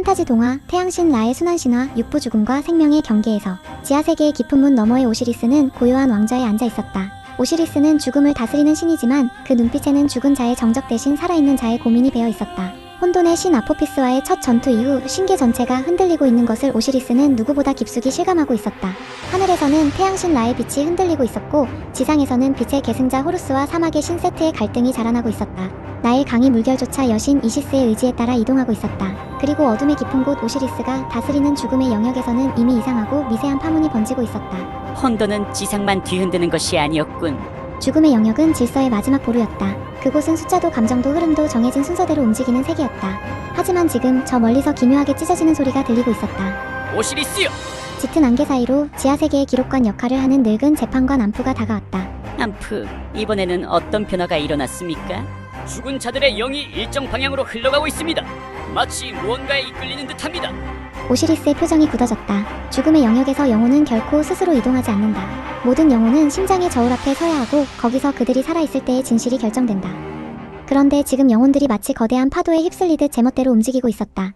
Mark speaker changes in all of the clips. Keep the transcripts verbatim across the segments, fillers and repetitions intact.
Speaker 1: 판타지 동화 태양신 라의 순환신화 육부 죽음과 생명의 경계에서 지하세계의 깊은 문 너머의 오시리스는 고요한 왕좌에 앉아 있었다. 오시리스는 죽음을 다스리는 신이지만 그 눈빛에는 죽은 자의 정적 대신 살아있는 자의 고민이 배어 있었다. 혼돈의 신 아포피스와의 첫 전투 이후 신계 전체가 흔들리고 있는 것을 오시리스는 누구보다 깊숙이 실감하고 있었다. 하늘에서는 태양신 라의 빛이 흔들리고 있었고 지상에서는 빛의 계승자 호루스와 사막의 신 세트의 갈등이 자라나고 있었다. 나일 강이 물결조차 여신 이시스의 의지에 따라 이동하고 있었다. 그리고 어둠의 깊은 곳 오시리스가 다스리는 죽음의 영역에서는 이미 이상하고 미세한 파문이 번지고 있었다.
Speaker 2: 혼돈은 지상만 뒤흔드는 것이 아니었군.
Speaker 1: 죽음의 영역은 질서의 마지막 보루였다. 그곳은 숫자도 감정도 흐름도 정해진 순서대로 움직이는 세계였다. 하지만 지금 저 멀리서 기묘하게 찢어지는 소리가 들리고 있었다.
Speaker 2: 오시리스요!
Speaker 1: 짙은 안개 사이로 지하세계의 기록관 역할을 하는 늙은 재판관 암프가 다가왔다.
Speaker 2: 암프, 이번에는 어떤 변화가 일어났습니까? 죽은 자들의 영이 일정 방향으로 흘러가고 있습니다. 마치 무언가에 이끌리는 듯합니다.
Speaker 1: 오시리스의 표정이 굳어졌다. 죽음의 영역에서 영혼은 결코 스스로 이동하지 않는다. 모든 영혼은 심장의 저울 앞에 서야 하고 거기서 그들이 살아있을 때의 진실이 결정된다. 그런데 지금 영혼들이 마치 거대한 파도에 휩쓸리듯 제멋대로 움직이고 있었다.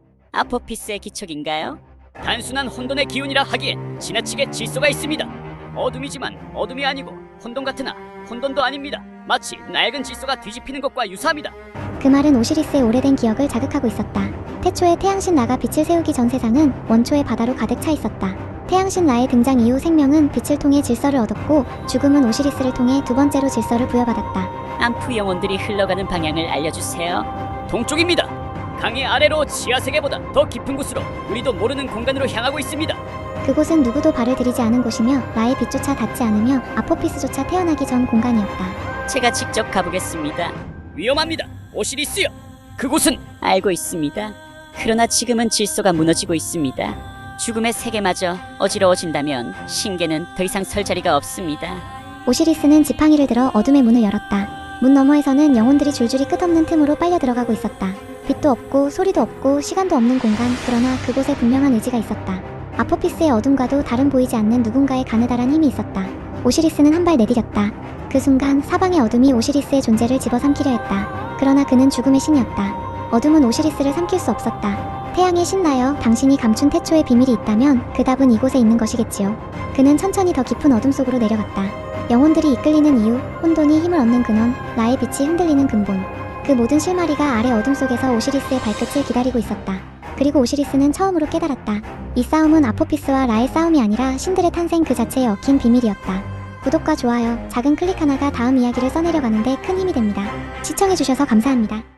Speaker 2: 아포피스의 기척인가요? 단순한 혼돈의 기운이라 하기엔 지나치게 질서가 있습니다. 어둠이지만 어둠이 아니고 혼돈 같으나 혼돈도 아닙니다. 마치 낡은 질서가 뒤집히는 것과 유사합니다.
Speaker 1: 그 말은 오시리스의 오래된 기억을 자극하고 있었다. 태초에 태양신 라가 빛을 세우기 전 세상은 원초의 바다로 가득 차 있었다. 태양신 라의 등장 이후 생명은 빛을 통해 질서를 얻었고 죽음은 오시리스를 통해 두 번째로 질서를 부여받았다.
Speaker 2: 암프 영혼들이 흘러가는 방향을 알려주세요. 동쪽입니다. 강의 아래로 지하세계보다 더 깊은 곳으로 우리도 모르는 공간으로 향하고 있습니다.
Speaker 1: 그곳은 누구도 발을 들이지 않은 곳이며 라의 빛조차 닿지 않으며 아포피스조차 태어나기 전 공간이었다.
Speaker 2: 제가 직접 가보겠습니다. 위험합니다. 오시리스요. 그곳은 알고 있습니다. 그러나 지금은 질서가 무너지고 있습니다. 죽음의 세계마저 어지러워진다면 신계는 더 이상 설 자리가 없습니다.
Speaker 1: 오시리스는 지팡이를 들어 어둠의 문을 열었다. 문 너머에서는 영혼들이 줄줄이 끝없는 틈으로 빨려 들어가고 있었다. 빛도 없고 소리도 없고 시간도 없는 공간, 그러나 그곳에 분명한 의지가 있었다. 아포피스의 어둠과도 다른 보이지 않는 누군가의 가느다란 힘이 있었다. 오시리스는 한 발 내디뎠다. 그 순간 사방의 어둠이 오시리스의 존재를 집어삼키려 했다. 그러나 그는 죽음의 신이었다. 어둠은 오시리스를 삼킬 수 없었다. 태양의 신나여 당신이 감춘 태초의 비밀이 있다면 그 답은 이곳에 있는 것이겠지요. 그는 천천히 더 깊은 어둠 속으로 내려갔다. 영혼들이 이끌리는 이유, 혼돈이 힘을 얻는 근원, 라의 빛이 흔들리는 근본. 그 모든 실마리가 아래 어둠 속에서 오시리스의 발끝을 기다리고 있었다. 그리고 오시리스는 처음으로 깨달았다. 이 싸움은 아포피스와 라의 싸움이 아니라 신들의 탄생 그 자체에 얽힌 비밀이었다. 구독과 좋아요, 작은 클릭 하나가 다음 이야기를 써내려가는데 큰 힘이 됩니다. 시청해주셔서 감사합니다.